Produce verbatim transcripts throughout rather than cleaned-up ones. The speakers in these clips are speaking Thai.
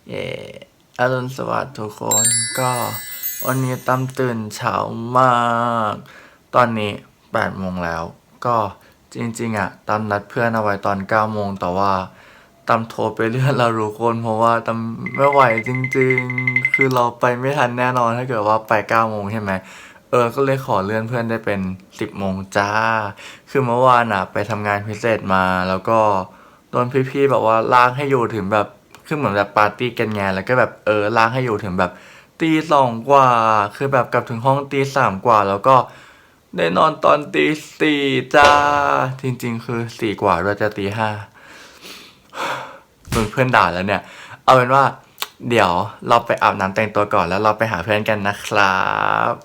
เย่อรุณสวัสดิ์ทุกคนก็วันนี้ตั้มตื่นเช้ามาก ตอนนี้แปดโมงแล้ว ก็จริงๆอ่ะตั้มนัดเพื่อนเอาไว้ตอนเก้าโมงแต่ว่าตั้มโทรไปเลื่อนเรารู้คนเพราะว่าตั้มไม่ไหวจริงๆ คือเราไปไม่ทันแน่นอนถ้าเกิดว่าไปเก้าโมงใช่ไหมเออก็เลยขอเลื่อนเพื่อนได้เป็นสิบโมงจ้า คือเมื่อวานอ่ะไปทำงานพิเศษมาแล้วก็โดนพี่ๆแบบว่าลากให้อยู่ถึงแบบคือเหมือนแบบปาร์ตี้กันไงแล้วก็แบบเออลากให้อยู่ถึงแบบตีสองกว่า คือแบบกลับถึงห้องตีสามกว่า แล้วก็ได้นอนตอนตีสี่จ้า จริงๆ คือสี่กว่าเราจะตีห้าโดนเพื่อนด่าแล้วเนี่ย เอาเป็นว่าเดี๋ยวเราไปอาบน้ำแต่งตัวก่อนแล้วเราไปหาเพื่อนกันนะครับ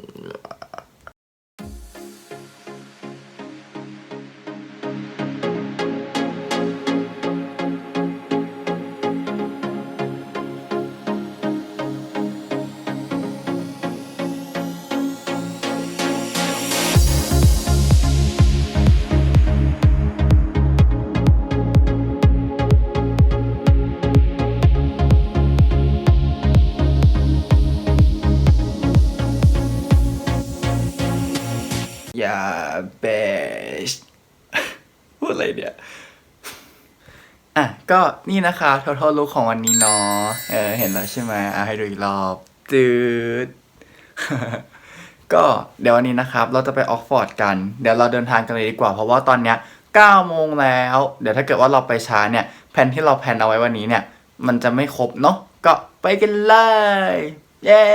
อย่าเบสพูดอะไรเนี่ย อ่ะก็นี่นะคะทั้งลุคของวันนี้เนาะเออเห็นแล้วใช่ไหมอ่ะให้ดูอีกรอบจืด ก็เดี๋ยววันนี้นะครับเราจะไปออกฟอร์ดกันเดี๋ยวเราเดินทางกันเลยดีกว่าเพราะว่าตอนเนี้ยเก้าโมงแล้วเดี๋ยวถ้าเกิดว่าเราไปช้าเนี่ยแผนที่เราแผนเอาไว้วันนี้เนี่ยมันจะไม่ครบเนาะก็ไปกันเลยเย้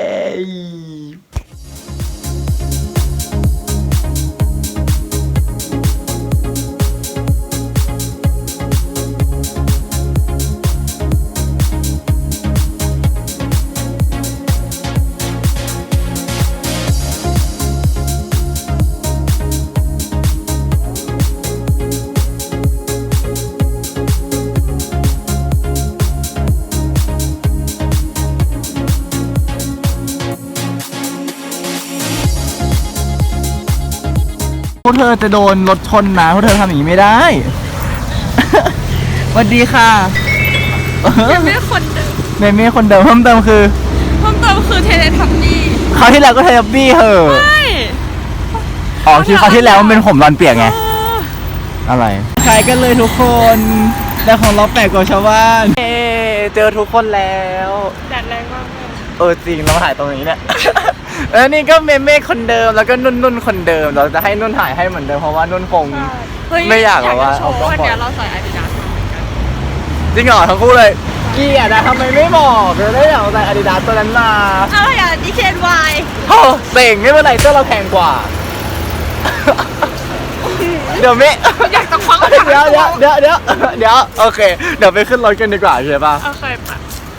พวกเธอจะโดนรถชนนะพวกเธอทำอย่างนี้ไม่ได้ สวัสดีค่ะเมเม่คนเดิมเมเม่คนเดิมเพิ่มเติมคือเพิ่มเติมคือเทเลทับบี้คราวที่แล้วก็เทปบี้เหอะใช่อ๋อคือคราวที่แล้วมันเป็นผมรอนเปียกไงเอออะไรขายกันเลยทุกคนแต่ของเราแปลกกว่าชาวบ้านเฮ้เจอทุกคนแล้วแดดแรงมากเลยเออจริงเราถ่ายตรงนี้เนี่ย แล้วนี่ก็เมเม่คนเดิมแล้วก็นุ่นนุ่นคนเดิมเราจะให้นุ่นถ่ายให้เหมือนเดิมเพราะว่านุ่นคงเฮ้ไม่อยากแบบว่าจะโชว์วันเนี้ยเราใส่อาดิดาสมาเหมือนกันจริงเหรอทั้งคู่เลยเกลียดอะทำไมไม่บอกเลยได้อยากใส่อาดิดาสตัวนั้นมาอะไรอ่ะดีเคนวายโอ้เต่งไม่เป็นไรเสื้อเราแพงกว่า เดี๋ยวเมอยากจะคว้าเดี๋ยวเดี๋ยวเดี๋ยวเดี๋ยวเดี๋ยวโอเคเดี๋ยวไปขึ้นรถกันดีกว่าใช่ปะโอเคปะ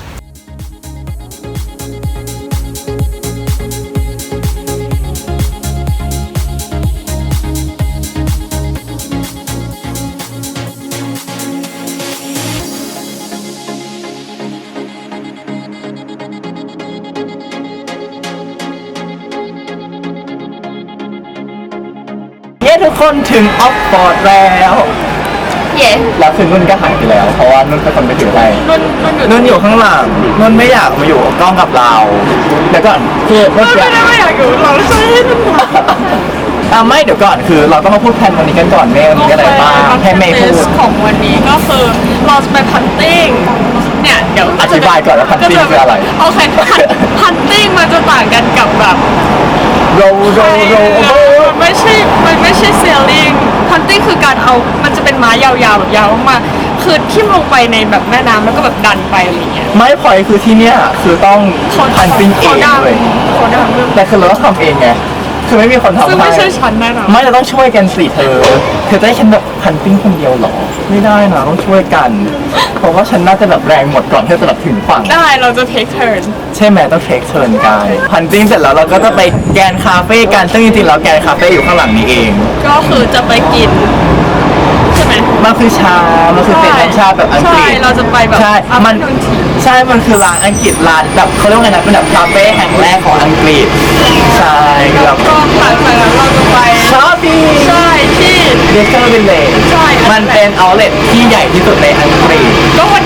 เย้ทุกคนถึงออฟฟอร์ดแล้วเย้แล้วคือนุ่นก็หายไปแล้วเพราะว่านุ่นเป็นคนไปถือให้นุ่นนุ่นอยู่นุ่นอยู่ข้างหลังนุ่นไม่อยากมาอยู่กล้องกับเราเดี๋ยวก่อนคือเมื่อนุ่นกี้ไม่ได้ไม่อยากอยู่เราใช่ให้นุ่นทำอ่ะไม่เดี๋ยวก่อนคือเราต้องมาพูดแผนวันนี้กันก่อนเมย์มีอะไรบ้างให้เมย์พูดของวันนี้ก็คือเราจะไปพันติ้งเนี่ยเดี๋ยวอธิบายก่อนว่า hunting คืออะไรโอเคพันติ้งมันจะต่างกันกับแบบโรโรโรโรมันไม่ใช่ มันไม่ใช่เซลลิงพันติ้งคือการเอา มันจะเป็นไม้ยาวๆแบบยาวมากๆคือทิ่มลงไปในแบบแม่น้ำแล้วก็แบบดันไปอะไรเงี้ยไม่พอยคือที่เนี้ยคือต้องพันปิ้งเองเลยเขาดังเรื่องแต่คือเราต้องทำเองไงคือไม่มีคนทำซึ่งให้ไม่ใช่ฉันแน่นอนไม่เราต้องช่วยกันสิเธอเธอจะให้ฉันแบบพันปิ้งคนเดียวเหรอไม่ได้นะต้องช่วยกัน เพราะว่าฉันน่าจะแบบแรงหมดก่อนที่จะแบบถึงฝั่งได้เราจะ take turn ใช่ไหมต้องเทคเทิร์นกันพันติ้งเสร็จแล้วเราก็จะไปแกนคาเฟ่กันซึ่งจริงๆแล้วแกนคาเฟ่อยู่ข้างหลังนี้เองก็คือจะไปกิน ใช่ไหมมันคือชา มันคือเป็นน้ำชาแบบอังกฤษใช่เราจะไปแบบใช่ มัน afternoon tea ใช่ มันคือร้านอังกฤษร้านแบบเขาเรียกว่าไงนะเป็นแบบคาเฟ่แห่งแรกของอังกฤษ ใช่คือแบบก็หลังจากนั้นเราจะไปชอปปี้ใช่ที่เดสเตอร์วิลเลจใช่มันเป็นเอาท์เล็ตที่ใหญ่ที่สุดในอังกฤษก็วัน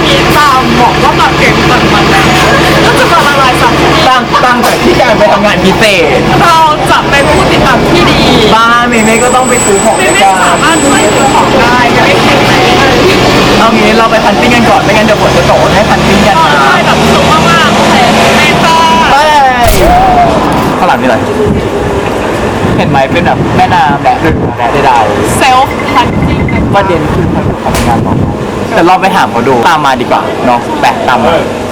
นี้ตามบอกว่าแบบเก่งตังมันแล้วก็จะมาละลายสัมพันธ์ตั้งตั้งแต่ที่การไปทำงานพิเศษเราจะเป็นผู้ติดตามที่ดีบ้านเมเม่ก็ต้องไปซื้อของไม่ด้วยไม่กันสามารถช่วยซื้อของได้ไม่ได้แข็งแรงเอางี้เราไปพันติ้งกันก่อนไม่งั้นเดี๋ยวฝนจะตกให้พันติ้งกันก็นะได้แบบสูงมากๆโอเคไม่ต้าไปข้างหลังนี่อะไรเห็นไหมเป็นแบบแม่น้ำแบบดึกแบบได้เซลฟ์พันจิ้งประเด็นคือเขาอยู่ทำงานบอกแต่เราไปถามเขาดูตามมาดีกว่าเนาะแปะตามมา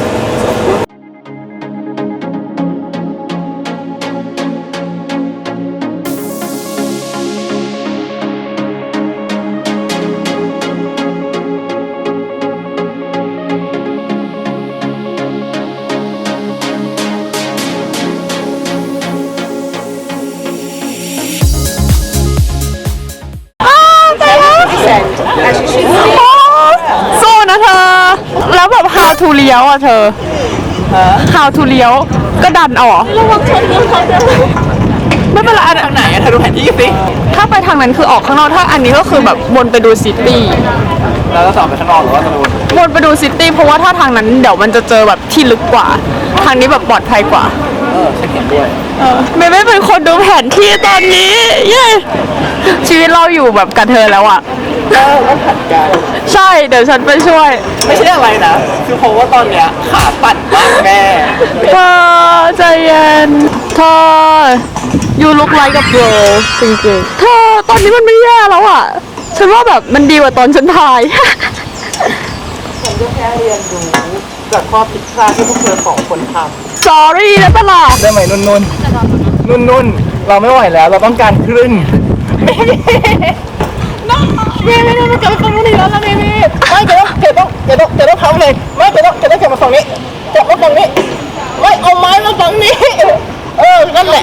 สู้นะเธอ แล้วแบบ how to เลี้ยวอ่ะเธอ how to เลี้ยวก็ดันเอาเหรอระวังชนเขาไม่เป็นไรอันทางไหนอะเธอดูแผนที่สิถ้าไปทางนั้นคือออกข้างนอกถ้าอันนี้ก็คือแบบวนไปดูซิตี้แล้วก็ต่อไปข้างนอกหรือว่าจะดูวนไปดูซิตี้เพราะว่าถ้าทางนั้นเดี๋ยวมันจะเจอแบบที่ลึกกว่า ทางนี้แบบปลอดภัยกว่าเออฉันเห็นด้วยไม่ไม่เป็นคนดูแผนที่ตอนนี้ เย้ชีวิตเราอยู่แบบกับเธอแล้วอ่ะเออแล้วผัดกันใช่เดี๋ยวฉันไปช่วยไม่ใช่อะไรนะ คือเพราะว่าตอนเนี้ยขาปั่นมากแม่เธอใจเย็นเธอ you look like a bro จริงๆเธอตอนนี้มันไม่แย่แล้วอ่ะ ฉันว่าแบบมันดีกว่าตอนฉันถ่ายฉันก็แค่เรียนรู้จากข้อผิดพลาดที่พวกเธอสองคนท sorry นะตลาดำได้ไหมนุ่นนุ่นนุ่นนุ่นเราไม่ไหวแล้วเราต้องการครึ่งเมเม่เมเม่เมเม่เกิดฝั่งนู้นอีกแล้วนะเมเม่ไม่เดี๋ยวเดี๋ยวต้องเดี๋ยวต้องเดี๋ยวต้องทำเลยไม่เดี๋ยวต้องเดี๋ยวต้องเก็บมาฝั่งนี้เก็บมาฝั่งนี้ไม่เอาไม้มาฝั่งนี้ เออนั่นแหละ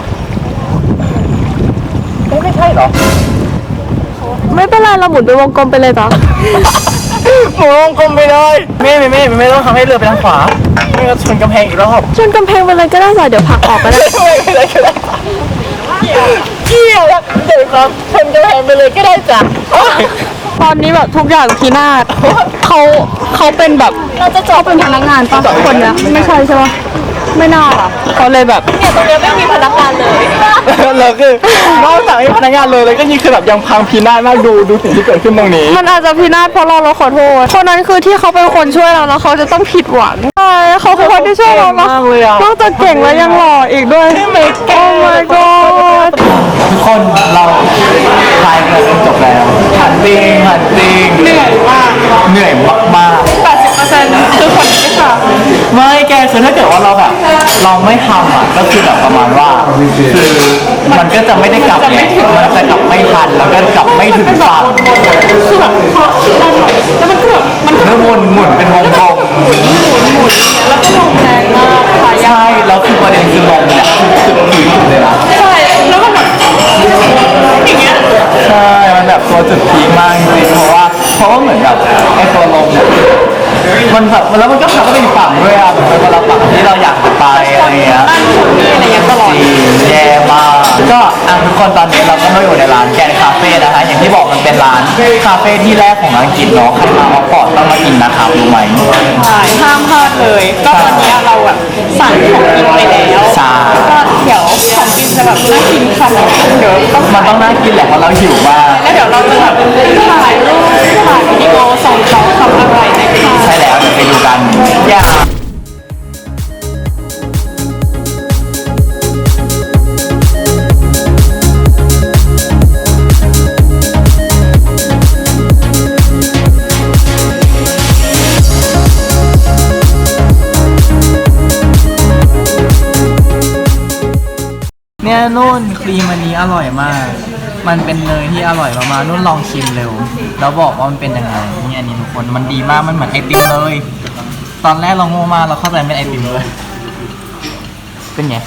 ไม่ใช่เหรอไม่เป็นไรเราหมุนไปวงกลมไปเลยจ้ะหมุนวงกลมไปเลยเม่เม่เม่เม่ต้องทำให้เรือไปทางขวาไม่งั้นชนกำแพงอีกรอบชนกำแพงไปเลยก็ได้จ้ะเดี๋ยวผลักออกก็ได้ไม่ไม่ได้ก็ได้เกี่ยวแล้วเดี๋ยวครับชนกำแพงไปเลยก็ได้จ้ะตอนนี้แบบทุกอย่างพินาศเขาเขาเป็นแบบเราจะจบเป็นพนักงานปะคนเนี้ยไม่ใช่ใช่ปะไม่น่าอ่ะเขาเลยแบบเนี่ยตรงเนี้ยไม่มีพนักงานเลยเราคือนอกจากไม่มีพนักงานเลยเลยก็นี่คือแบบยังพังพินาศมากดูดูสิ่งที่เกิดขึ้นตรงนี้มันอาจจะพินาศเพราะเราเราขอโทษคนนั้นคือที่เขาเป็นคนช่วยเราแล้วเขาจะต้องผิดหวังใช่เขาคือคนที่ช่วยเรามากเลยอ่ะนอกจากเก่งแล้วยังหล่ออีกด้วยโอ้ my god ทุกคนเราทายกันจนจบแล้วหันติงหันติงเหนื่อยมากเหนื่อยมากแปดสิบเปอร์เซ็นต์คือคนนี้ค่ะๆไม่แกคือถ้าเกิดว่าเราแบบเราไม่ทำอ่ะก็คือแบบประมาณว่าคือมันก็จะไม่ได้กลับไงมันจะกลับไม่ทันแล้วก็กลับไม่ถึงฝั่งคือแบบพอแล้วมันก็แบบมันแล้วหมุนหมุนเป็นวงกลมแล้วก็ลงแรงมากค่ะใช่แล้วคือประเด็นคือลมเนี่ยคือจุดพีคเลยนะใช่แล้วก็แบบอย่างเงี้ยใช่มันแบบตัวจุดพีคมากจริงๆเพราะว่าเพราะว่าเหมือนกับไอ้ตัวลมเนี่ยมันแบบแล้วมันก็ขับไปอีกฝั่งด้วยอ่ะแบบเป็นคนละฝั่งที่เราอยากจะไปอะไรเงี้ยนั่นคนนี้อะไรเงี้ยตลอดจริงแย่มากก็อ่ะทุกคนตอนนี้เราก็มาอยู่ในร้านแกนคาเฟ่นะคะอย่างที่บอกมันเป็นร้านคาเฟ่ที่แรกของอังกฤษเนาะใครมาออกพอร์ตต้องมากินนะครับรู้ไหมใช่ห้ามพลาดเลย ก็ตอนนี้เราแบบสั่งของกินไปแล้วใช่ก็เดี๋ยวของกินจะแบบน่ากินขนาดไหนเดี๋ยวต้องมันต้องน่ากินแหละเพราะเราหิวมากแล้วเดี๋ยวเราจะแบบถ่ายรูปถ่ายวิดีโอส่งเขาทำอะไรนะคะใช่แล้วเดี๋ยวไปดูกันอย่าเนี่ยนุ่นครีมอันนี้อร่อยมาก มันเป็นเนยที่อร่อยมากๆนุ่นลองชิมเร็ว แล้วบอกว่ามันเป็นยังไงนี่อันนี้ทุกคนมันดีมากมันเหมือนไอติมเลย ตอนแรกเราโง่มากเราเข้าใจเป็นไอติมเลย เป็นไง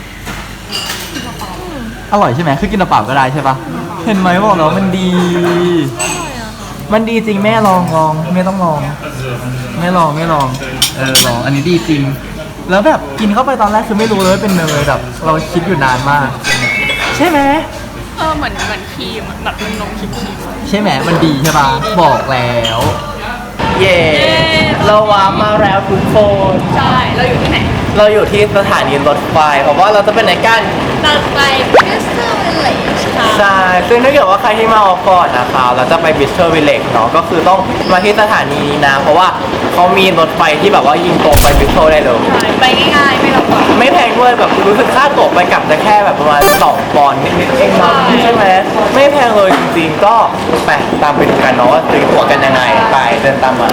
อร่อยใช่ไหมคือกินเปล่าๆก็ได้ใช่ปะเห็นไหมบอกแล้วมันดี มันดีจริงแม่ลองลองแม่ต้องลองไม่ลองไม่ลอง เออลองอันนี้ดีจริง แล้วแบบกินเข้าไปตอนแรกคือไม่รู้เลยว่าเป็นเนยแบบ เราคิดอยู่นานมาก ใช่ไหมเออเหมือนเหมือนครีมแบบนมครีมใช่ไหมมันดีใช่ปะบอกแล้วเย่เราว้ามาแล้วทุกคนใช่ เราอยู่ที่ไหนเราอยู่ที่สถานีรถไฟเพราะว่าเราจะเป็นไหนกันเราไปบิสเตอร์วิลเลจค่ะใช่ ซึ่งถ้าเกิดว่าใครที่มาออกก่อนนะคะเราจะไปบิสเทอร์วิลเลจเนาะ ก็คือต้องมาที่สถานีนี้นะ เพราะว่าเขามีรถไฟที่แบบว่ายิงตรงไปบิสเทอร์ได้เลยไปง่ายๆ ไม่ลำบากไม่แพงด้วยแบบรู้สึกค่าตั๋วไปกลับจะแค่แบบประมาณสองปอนด์นิดๆเองเนาะใช่ไหมไม่แพงเลยจริงๆ ก็ไปตามไปดูกันเนาะว่าซื้อตั๋วกันยังไง ไปเดินตามมา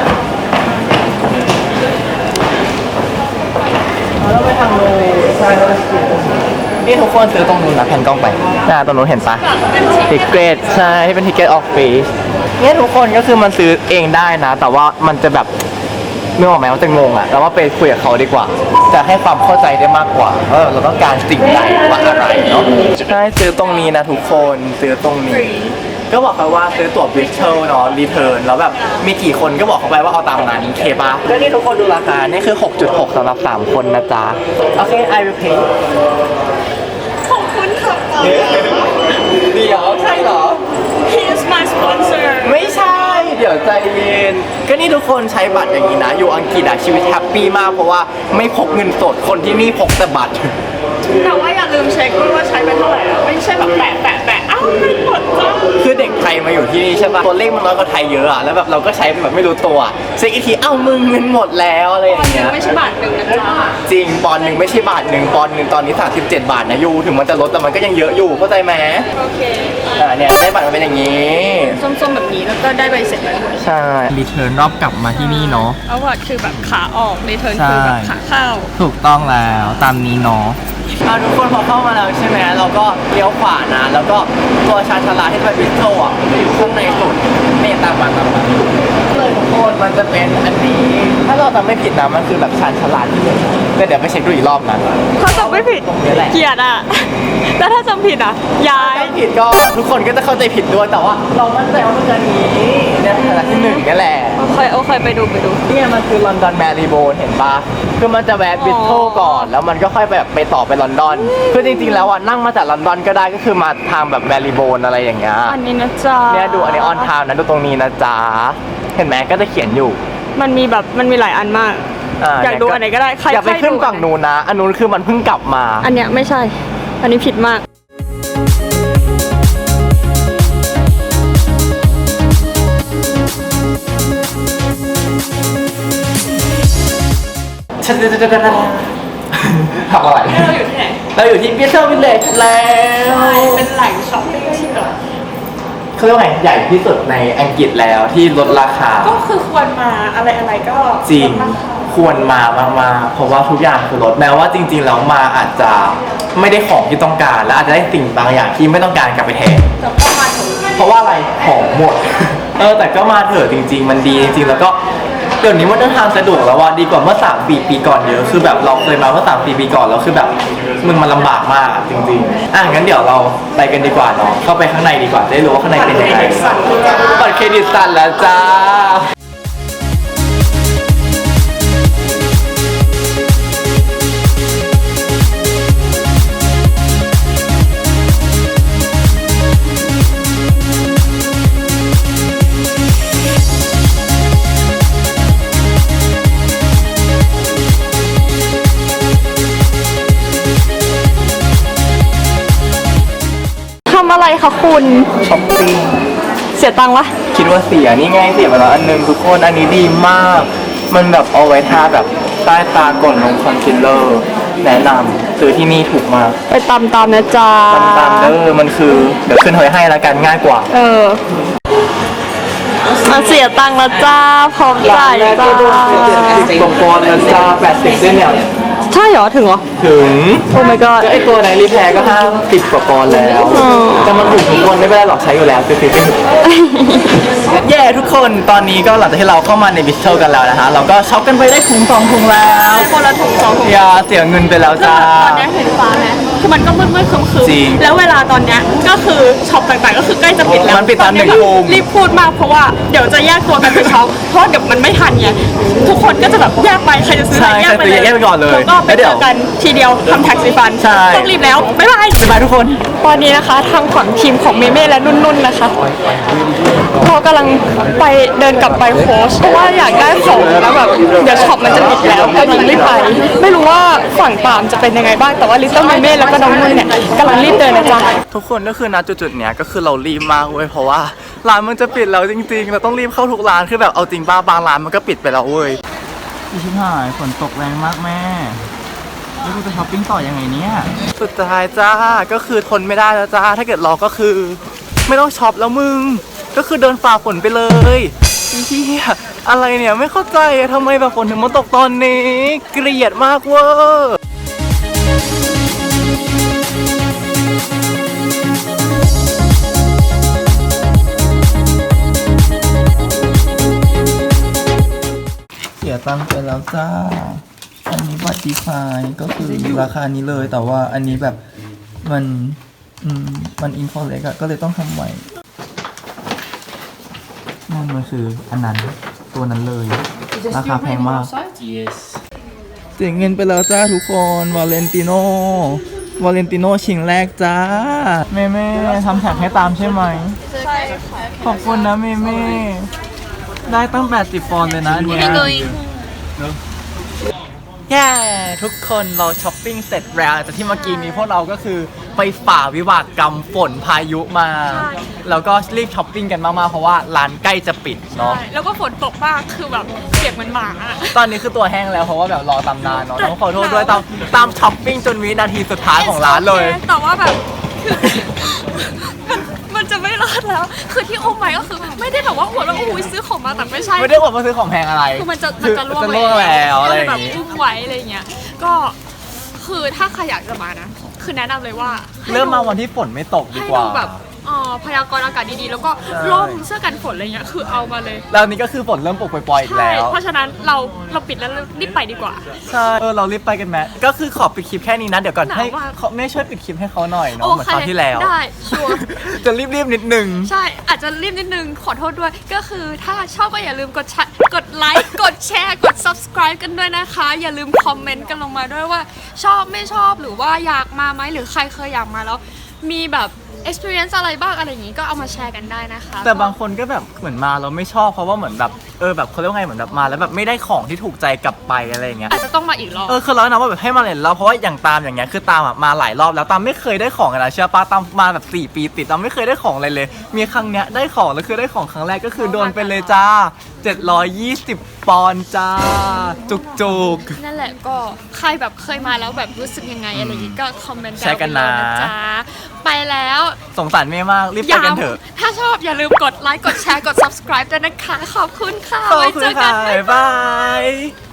เราไปทางนู้นใช่แล้วนี่ทุกคนซื้อตรงนู้นนะแผ่นกล้องไปน่าตรงนู้นเห็นปะทิเกตใช่ที่เป็นทิเกตออฟฟิศเนี่ยทุกคนก็คือมันซื้อเองได้นะ แต่ว่ามันจะแบบนึกออกไหมมันจะงงอ่ะเราว่าไปคุยกับเขาดีกว่า จะให้ความเข้าใจได้มากกว่าเออเราต้องการสิ่งใดว่าอะไรเนาะใช่ซื้อตรงนี้นะทุกคนซื้อตรงนี้ ก็บอกเขาว่าซื้อตั๋วบิชเชลเนาะรีเทิร์นแล้วแบบมีกี่คนก็บอกเขาไปว่าเอาตามนั้นเคปะก็นี่ทุกคนดูราคา นี่คือ หกจุดหก สำหรับ สาม คนนะจ๊ะ โอเค I will pay ขอบคุณค่ะเดี๋ยวใช่เหรอ He is my sponsor ไม่ใช่ เดี๋ยวใจเย็น ก็นี่ทุกคนใช้บัตรอย่างนี้นะ อยู่อังกฤษอะชีวิตแฮปปี้มากเพราะว่าไม่พกเงินสดคนที่นี่พกแต่บัตรแต่ว่าอย่าลืมเช็คด้วยว่าใช้ไปเท่าไหร่อะไม่ใช่แบบแปะแปะแปะอ้าวเงินหมดจ้าคือเด็กไทยมาอยู่ที่นี่ใช่ปะตัวเลขมันน้อยกว่าไทยเยอะอะแล้วแบบเราก็ใช้แบบไม่รู้ตัวเช็คอีกทีเอ้ามึงเงินหมดแล้วอะไรอวัย่าน งหนึเงี้งยไม่ใช่บาทหนึ่งนะจ๊ะจริงปอนด์หนึ่งไม่ใช่บาทหนึ่งปอนด์หนึ่งตอนนี้สามสิบเจ็ดบาทนะยูถึงมันจะลดแต่มันก็ยังเยอะอยู่เข้าใจไหมโอเคอ่าเนี่ยได้บัตรมันเป็นอย่างนี้ส้มๆแบบนี้แล้วก็ได้ใบเสร็จแล้วด้วยใช่รีเทิร์นรอบกลับมาที่นี่เนาะเอาว่าคือแบบขาออกรีเทิร์นใช่คือแบบขาเข้าถูกต้องแล้วตามนี้เนาะเอาทุกคนพอเข้ามาแล้วใช่ไหมเราก็เลี้ยวขวานะแล้วก็ตัวชานชาลาที่ไปบิสโตอ่ะมันจะอยู่ข้างในสุดนี่ตามมาตามมาเลยทุกคนมันจะเป็นอันนี้ถ้าเราจำไม่ผิดนะมันคือแบบชานชาลาที่หนึ่งแต่เดี๋ยวไปเช็คดูอีกรอบนะถ้าจำไม่ผิดตรงนี้แหละเกลียดอ่ะ แล้วถ้าจำผิดอ่ะ ย้ายถ้าผิดก็ทุกคนก็จะเข้าใจผิดด้วยแต่ว่าเรามั่นใจว่ามันคืออันนี้เนี่ยชานชาลาที่หนึ่งนี่แหละโอเค โอเค ไปดูไปดูเนี่ยมันคือลอนดอนแมรีโบนเห็นปะคือมันจะแวะบิสโตก่อนแล้วมันก็ค่อยไปแบบไปต่อไปลอนดอนคือจริงๆแล้วอ่ะนั่งมาจากลอนดอนก็ได้ก็คือมาทางแบบแมรีโบนอะไรอย่างเงี้ยอันนี้นะจ๊ะเนี่ยดูอันนี้ออนไทม์นะดูตรงนี้นะจ๊ะเห็นไหมก็จะเขียนอยู่มันมีแบบมันมีหลายอันมาก อยากดูอันไหนก็ได้ใครอยากไปใครขึ้นดูฝั่งนู้นนะอันนู้นคือมันเพิ่งกลับมาอันเนี้ยไม่ใช่ อันนี้ผิดมากทำอะไรเราอยู่ที่ไหนเราอยู่ที่บิสเทอร์วิลเลจแล้วเป็นแหล่งช้อปปิ้งที่แบบเขาเรียกว่าไงใหญ่ที่สุดในอังกฤษแล้วที่ลดราคาก็คือควรมาอะไรอะไรก็จริงลดาคาควรมามากๆเพราะว่าทุกอย่างคือลดแม้ว่าจริงๆแล้วมาอาจจะไม่ได้ของที่ต้องการ และอาจจะได้สิ่งบางอย่างที่ไม่ต้องการกลับไปแทนแต่ก็มาถึงเพราะว่าอะไรของหมด เออแต่ก็มาเถอะจริง ๆ มันดีจริงๆแล้วก็เดี๋ยวนี้มันเดินทางสะดวกแล้วว่าดีกว่าเมื่อสามปีปีก่อนเยอะคือแบบเราเคยมาเมื่อสามปีปีก่อนแล้วคือแบบมึงมันลำบากมากอะจริงๆอ่ะงั้นเดี๋ยวเราไปกันดีกว่าเนาะเข้าไปข้างในดีกว่าจะได้รู้ว่าข้างในเป็นยังไงบัตรเครดิตสั่นแล้วจ้าทำอะไรคะคุณช้อปปิ้งเสียตังค์วะคิดว่าเสียนี่ไงเสียไปแล้วอันหนึงทุกคนอันนี้ดีมาก มันแบบเอาไว้ทาแบบใต้ตาก่อนลงคอนซีลเลอร์แนะนำซื้อที่นี่ถูกมากไปตามตามๆนะจ๊ะตามตามเด้อมันคือเดี๋ยวขึ้นไว้ให้แล้วกันง่ายกว่าเออ มาเสียตังค์แล้วจ้า พร้อมจ่ายจ้าสิบกว่าปอนด์แล้วจ้าแปดสิบด้วยเนี่ยใช่เหรอ ถึงเหรอถึงโอ้ my god ก็ไอตัวไหนรีแพร์ก็ห้าสิบกว่าปอนด์แล้วอ๋อแต่มันถูกทุกคนไม่เป็นไรหรอกใช้อยู่แล้วซื้อๆไปเถอะเย้ทุกคนตอนนี้ก็หลังจากที่เราเข้ามาในบิสเทลกันแล้วนะคะเราก็ช็อปกันไปได้ถุงสองถุงแล้วคนละถุงสองถุงอย่าเสียเงินไปแล้วจ้าตอนนี้เห็นฟ้าไหมคือมันก็มืดๆครึ้มจริงๆแล้วเวลาตอนเนี้ยก็คือช็อปต่างๆก็คือใกล้จะปิดแล้วมันปิดตอนหนึ่งก็ทุ่มรีบพูดมากเพราะว่าเดี๋ยวจะแยกตัวกันไปช็อปเพราะเดี๋ยวมันไม่ทันไงทุกคนก็จะแบบแยกไปใครจะซื้ออะไรแยกไปเลยแยกไปก่อนเลยแล้วก็ไปแล้วเดี๋เจยวอกันทีเดียวทำแท็กซี่ฟันใช่ต้องรีบแล้วบ๊ายบายบ๊ายบายทุกคนตอนนี้นะคะทางฝั่งทีมของเมเม่และนุ่นๆนะคะเรากำลังไปเดินกลับไปโค้ชเพราะว่าอยากได้ของแล้วแบบเดี๋ยวช็อปมันจะปิดแล้วกำลังรีบไปไม่รู้ว่าฝั่งปามจะเป็นยังไงบ้างแต่ว่าลิตเติ้ลเมเม่แล้วก็น้องนุ่นเนี่ยกำลังรีบเดินนะจ๊ะทุกคนก็คือณจุดๆเนี้ยก็คือเรารีบมากเว้ยเพราะว่าร้านมันจะปิดแล้วจริงๆเราต้องรีบเข้าทุกร้านคือแบบเอาจริงป้าบางร้านมันก็ปิดไปแล้วเว้ยพี่ชิบหายฝนตกแรงมากแม่แล้วกูจะช้อปปิ้งต่อยังไงเนี่ยสุดท้ายจ้าก็คือทนไม่ได้แล้วจ้าถ้าเกิดรอก็คือ ไม่ต้องช็อปแล้วมึงก็คือเดินฝ่าฝนไปเลยเฮียอะไรเนี่ยไม่เข้าใจอะทำไมแบบฝนถึงมาตกตอนนี้เกลียดมากเวอร์เสียตังค์ไปแล้วจ้าอันนี้บัตรดีไฟก็คือราคานี้เลยแต่ว่าอันนี้แบบมันอืมมันอินฟอเล็กอะก็เลยต้องทำใหม่นั่นมันคืออันนั้นตัวนั้นเลย ราคาแพงมาก Yes. เสียเงินไปแล้วจ้าทุกคนวาเลนติโนวาเลนติโนชิงแรกจ้าเมเม่ทำแท็กให้ตามใช่ไหมใช่ขอบคุณนะเมเม่ได้ตั้งแปดสิบปอนด์เลยนะอันเนี้ยแย่ทุกคนเราช้อปปิ้งเสร็จแล้วแต่ที่เมื่อกี้นี้พวกเราก็คือไปฝ่าวิบากกรรมฝนพายุมา แล้วก็รีบช้อปปิ้งกันมากๆเพราะว่าร้านใกล้จะปิดเนาะแล้วก็ฝนตกมากคือแบบเปียกเหมือนหมาอะตอนนี้คือตัวแห้งแล้วเพราะว่าแบบรอตำนานเนาะต้องขอโทษด้วยตามตามช้อปปิ้งจนวินาทีสุดท้ายของร้านเลยแต่ว่าแบบคือมันมันจะไม่รอดแล้ว คือที่อุ้มไปก็คือไม่ได้แบบว่าโอ้โหแล้วอุ้ยซื้อของมาแต่ไม่ใช่ไม่ได้บอกว่าซื้อของแพงอะไรคือมันจะมันจะล่วงจะล่วงแล้วอะไรอย่างแบบงี้อุ้มไว้อะไรอย่างเงี้ยก็คือถ้าใครอยากจะมานะ คือแนะนำเลยว่าให้เริ่มมาดูวันที่ฝนไม่ตกดีให้กว่าดูแบบเอ่อพยากรณ์อากาศดีๆ แล้วก็ใช่ร่มเสื้อกันฝนอะไรเงี้ยคือเอามาเลยแล้วนี่ก็คือฝนเริ่มปกปล่อยๆอีกใช่แล้วเพราะฉะนั้นเราเราปิดแล้วรีบไปดีกว่าใช่เออเรารีบไปกันแมก็คือขอปิดคลิปแค่นี้นะเดี๋ยวก่อนหนาวให้มากเขาไม่ช่วยปิดคลิปให้เขาหน่อยเนาะโอเหมือนเคคราวที่แล้วได้ชัวร์จะรีบๆนิดนึงใช่ อาจจะรีบนิดนึง ขอโทษด้วย ก็คือถ้าชอบก็อย่าลืมกดแชร์กดไลค์ กดแชร์ กด subscribe กันด้วยนะคะ อย่าลืมคอมเมนต์กันลงมาด้วยว่า ชอบไม่ชอบหรือว่าอยากมาไหมหรือใครเคยอยากมาแล้ว มีแบบ experience อะไรบ้างอะไรอย่างงี้ก็เอามาแชร์กันได้นะคะแต่บางคนก็แบบเหมือนมาเราไม่ชอบเพราะว่าเหมือนแบบเออแบบเขาเรียกว่าไงเหมือนแบบมาแล้วแบบไม่ได้ของที่ถูกใจกลับไปอะไรอย่างเงี้ยอาจจะต้องมาอีกรอบเออคือเราแนะนำว่าแบบให้มาเล่นเราเพราะว่าอย่างตามอย่างเงี้ยคือตามอะมาหลายรอบแล้วตามไม่เคยได้ของเลยนะเชื่อป้าตามมาแบบสี่ปีติดตามไม่เคยได้ของอะไรเลย มีครั้งเนี้ยได้ของแล้วคือได้ของครั้งแรกก็คือโดนไปเลยจ้าเจ็ดร้อยยี่สิบปอนด์จ้าจุกจุกนั่นแหละก็ใครแบบเคยมาแล้วแบบรู้สึกยังไงอะไรอย่างงี้ก็คอมเมนต์แชร์กันนะดาวไปเลยจ๊ะไปแล้วสงสารเมย์มากรีบไปกันเถอะถ้าชอบอย่าลืมกดไลค์ กดแชร์ กด subscribe ด้วยนะคะ ขอบคุณค่ะขอบไว้คุณเจอกัค่ะนบ๊ายบาย